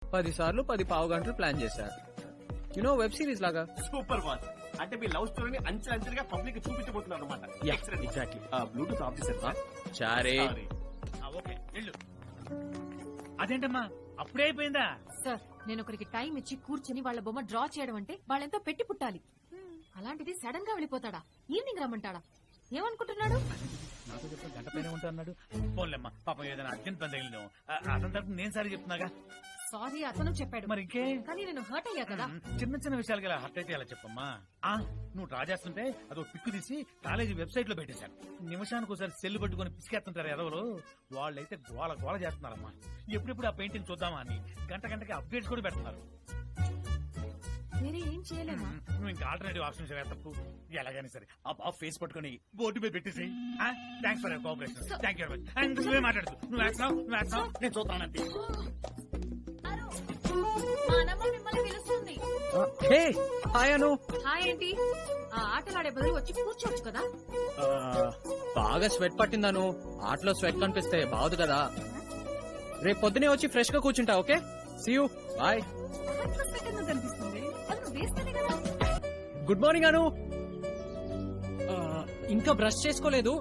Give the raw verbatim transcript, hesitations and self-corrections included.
పది సార్లు పది పావు గంటలు ప్లాన్ చేశారు. యునో వెబ్ సిరీస్ లాగా. Super boss. అంటే మీ లవ్ స్టోరీని అంచెలు అంచెలుగా పబ్లిక్ చూపించబోతున్నారు అనమాట. ఎగ్జాక్ట్లీ. బ్లూటూత్ ఆఫ్ చేశారు. చారే ఓకే వెళ్ళు. అదేంటమ్మా అప్పుడే అయిపోయిందా? సార్ నేను ఒకరికి టైం ఇచ్చి కూర్చుని వాళ్ళ బొమ్మ డ్రా చేయడం అంటే వాళ్ళెంతో పెట్టి పుట్టాలి. అలాంటిది సడన్ గా వెళ్ళిపోతాడా? ఈవినింగ్ రమ్మంటాడా? ఏమనుకుంటున్నాడు? నాతో చెప్పిన గంట పైన ఉంటా అన్నాడు. పోన్లేమ్మా పాపం ఏదైనా అర్జెంట్ పని తగిలిన అతని తరపు నేను సారీ చెప్తున్నాగా. సారీ అతను చెప్పాడు, మరి ఇంకే కానీ నేను హర్ట్ అయ్యా కదా. చిన్న చిన్న విషయాలకి ఇలా హర్ట్ అయితే అలా చెప్పమ్మా. ఆ నువ్వు డ్రా చేస్తుంటే అదో పిక్కు తీసి కాలేజీ వెబ్సైట్ లో పెట్టేశాను. నిమిషానికి ఒకసారి సెల్ పట్టుకుని పిసికేస్తుంటారు ఎదవలు. వాళ్ళైతే గోల గోల చేస్తున్నారమ్మా. ఎప్పుడెప్పుడు ఆ పెయింటింగ్ చూద్దామా అని గంట గంటకి అప్డేట్స్ కూడా పెడుతున్నారు. వేరే ఏం చేయలేమా? నువ్వు ఇంకా ఆల్టర్నేటివ్ ఆప్షన్స్ తప్పు. ఎలాగైనా సరే ఆ ఫేస్ పట్టుకుని బోర్డు మీద పెట్టేసి thanks for your cooperation, thank you very much. నువ్వే మాట్లాడుతూ నువ్వు వేస్తున్నావు నువ్వు వేస్తున్నావు నేను చూస్తానంతే. మా అన్నమ్మ మిమ్మల్ని పిలుస్తుంది. హే హాయ్ అను. హాయ్ ఏంటి? ఆ ఆటలాడే బదులు వచ్చి కూర్చోవచ్చు కదా. బాగా స్వెట్ పట్టిందను. ఆటలో స్వెట్ కనిపిస్తే బాగుంది కదా. రేపు పొద్దునే వచ్చి ఫ్రెష్ గా కూర్చుంటా. Okay see you bye. కనిపిస్తుంది వేస్తేనే కదా. Good morning Anu. ఇంకా బ్రష్ చేసుకోలేదు.